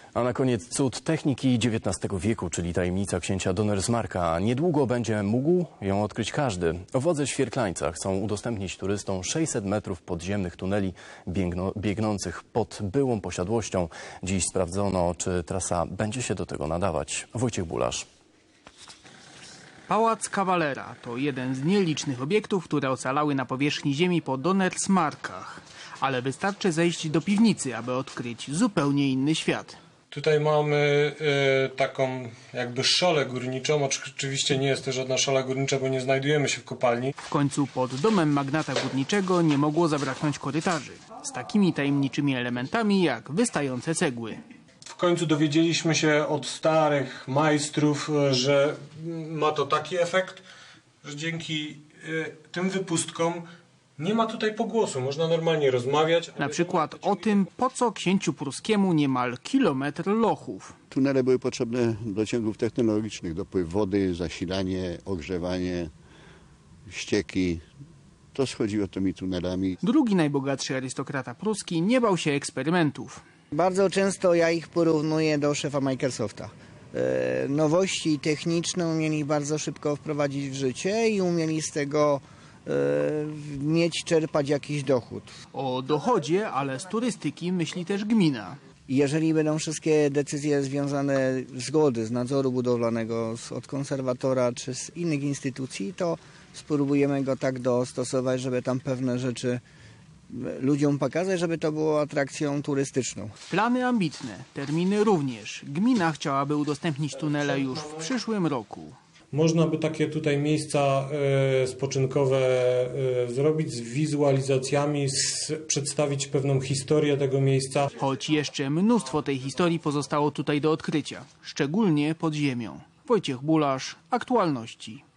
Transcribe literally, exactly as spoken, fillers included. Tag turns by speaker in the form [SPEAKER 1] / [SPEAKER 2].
[SPEAKER 1] A na koniec cud techniki dziewiętnastego wieku, czyli tajemnica księcia Donnersmarcka. Niedługo będzie mógł ją odkryć każdy. Wodze w Świerklańcach chcą udostępnić turystom sześćset metrów podziemnych tuneli biegno, biegnących pod byłą posiadłością. Dziś sprawdzono, czy trasa będzie się do tego nadawać. Wojciech Bulasz.
[SPEAKER 2] Pałac Kawalera to jeden z nielicznych obiektów, które ocalały na powierzchni ziemi po Donnersmarckach. Ale wystarczy zejść do piwnicy, aby odkryć zupełnie inny świat.
[SPEAKER 3] Tutaj mamy y, taką jakby szolę górniczą. Oczywiście nie jest to żadna szola górnicza, bo nie znajdujemy się w kopalni.
[SPEAKER 2] W końcu pod domem magnata górniczego nie mogło zabraknąć korytarzy z takimi tajemniczymi elementami jak wystające cegły.
[SPEAKER 3] W końcu dowiedzieliśmy się od starych majstrów, że ma to taki efekt, że dzięki y, tym wypustkom nie ma tutaj pogłosu, można normalnie rozmawiać.
[SPEAKER 2] Na przykład o tym, po co księciu pruskiemu niemal kilometr lochów.
[SPEAKER 4] Tunele były potrzebne do ciągów technologicznych, dopływ wody, zasilanie, ogrzewanie, ścieki. To schodziło tymi tunelami.
[SPEAKER 2] Drugi najbogatszy arystokrata pruski nie bał się eksperymentów.
[SPEAKER 5] Bardzo często ja ich porównuję do szefa Microsofta. E, nowości techniczne umieli bardzo szybko wprowadzić w życie i umieli z tego mieć, czerpać jakiś dochód.
[SPEAKER 2] O dochodzie, ale z turystyki myśli też gmina.
[SPEAKER 5] Jeżeli będą wszystkie decyzje związane z zgody, z nadzoru budowlanego, od konserwatora czy z innych instytucji, to spróbujemy go tak dostosować, żeby tam pewne rzeczy ludziom pokazać, żeby to było atrakcją turystyczną.
[SPEAKER 2] Plany ambitne, terminy również. Gmina chciałaby udostępnić tunele już w przyszłym roku.
[SPEAKER 3] Można by takie tutaj miejsca y, spoczynkowe y, zrobić z wizualizacjami, z, przedstawić pewną historię tego miejsca.
[SPEAKER 2] Choć jeszcze mnóstwo tej historii pozostało tutaj do odkrycia, szczególnie pod ziemią. Wojciech Bulasz, Aktualności.